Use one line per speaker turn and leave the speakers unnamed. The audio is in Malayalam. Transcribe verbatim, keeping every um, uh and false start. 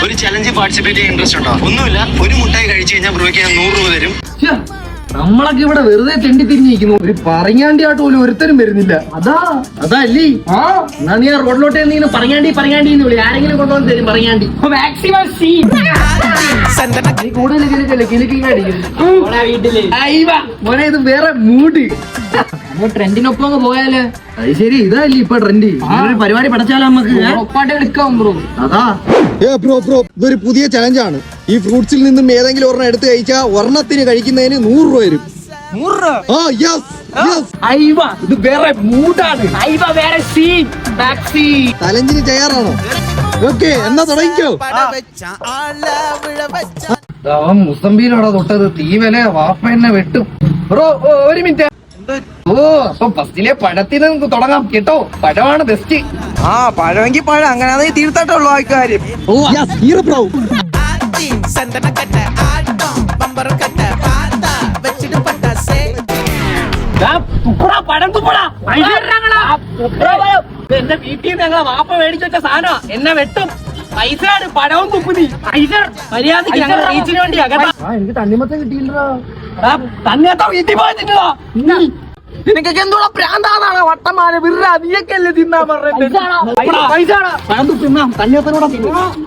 ഒരു ചലഞ്ച് പാർട്ടിസിപ്പേറ്റ് ചെയ്യാൻ ഇൻട്രസ്റ്റ് ഉണ്ടോ? ഒന്നുമില്ല, ഒരു മുട്ടായി കഴിച്ചു കഴിഞ്ഞാൽ ബ്രോയ്ക്ക് ഞാൻ നൂറ് രൂപ തരും.
നമ്മളൊക്കെ ഇവിടെ വെറുതെ തെണ്ടി തിരിഞ്ഞിരിക്കുന്നു. ഒരു പറങ്ങാണ്ടിയായിട്ട് പോലും ഒരുത്തരും വരുന്നില്ല. അതാ അതാ അല്ലേ? ആ എന്നാ നീ ആ റോഡിലോട്ട് നീ പറങ്ങാണ്ടി പറങ്ങാണ്ടി എന്ന് വിളി. ആരെങ്കിലും കൊണ്ടുവന്ന് തരും പറങ്ങാണ്ടി. മാക്സിമം സീൻ മോനെ, ഇത് വേറെ മൂഡ്. ട്രെൻഡിനൊപ്പം അങ്ങ് പോയാലേ. അത് ശരി, ഇതല്ലേ ഇപ്പൊ ട്രെൻഡ്. ഒരു പരിപാടി പഠിച്ചാലോ നമുക്ക് ഒപ്പാട്ട് എടുക്കാം ബ്രോ. അതാ
ബ്രോ ബ്രോ ഇതൊരു പുതിയ ചലഞ്ചാണ്. ഈ ഫ്രൂട്ട്സിൽ നിന്നും ഏതെങ്കിലും ഒരെണ്ണം എടുത്തു കഴിച്ചാൽ ഒരെണ്ണത്തിന് കഴിക്കുന്നതിന് നൂറ് രൂപ വരും. ആ യെസ് യെസ്.
ഇത് വേറെ മൂഡാണ്. വേറെ സീൻ.
ചലഞ്ചിന് തയ്യാറാണോ? ഓക്കെ, എന്നാ തുടങ്ങിക്കോ.
മുസംബിയിലാണോ തൊട്ടത്? തീവലെ വാപ്പ എന്നെ വെട്ടും. ബ്രോ ഒരു മിനിറ്റ്. ഓ അപ്പൊ ഫസ്റ്റിലെ പഴത്തിൽ നമുക്ക് തുടങ്ങാം കേട്ടോ. പഴമാണ് ബെസ്റ്റ്.
ആ പഴമെങ്കിൽ പഴം, അങ്ങനെ തീർത്തായിട്ടുള്ളൂ ആൾക്കാര്.
ബ്രോ
പഴം തുപ്പടാ. എന്റെ വീട്ടിൽ നിന്ന് ഞങ്ങളെ വാപ്പ മേടിച്ചു വെച്ച സാധനമാ. എന്നെ വെട്ടും. പൈസ പഴവും തുപ്പുതി. പൈസ മര്യാദക്ക് ഞങ്ങൾ റീച്ചിന് വേണ്ടിയാ കേട്ടോ. എനിക്ക് തണ്ണിമത്തം കിട്ടിയില്ലടാ. തണ്ണിമത്തം വീട്ടിൽ പോയിട്ടില്ല. നിനക്കൊക്കെ എന്തോടാ പ്രാന്താണോ? വട്ടമാല വിറ നീയൊക്കെ അല്ലേ തിന്നാൻ പറഞ്ഞത്. പൈസ പഴം തുപ്പിന്നാ തണ്ണിമത്തനോടെ തിന്നു.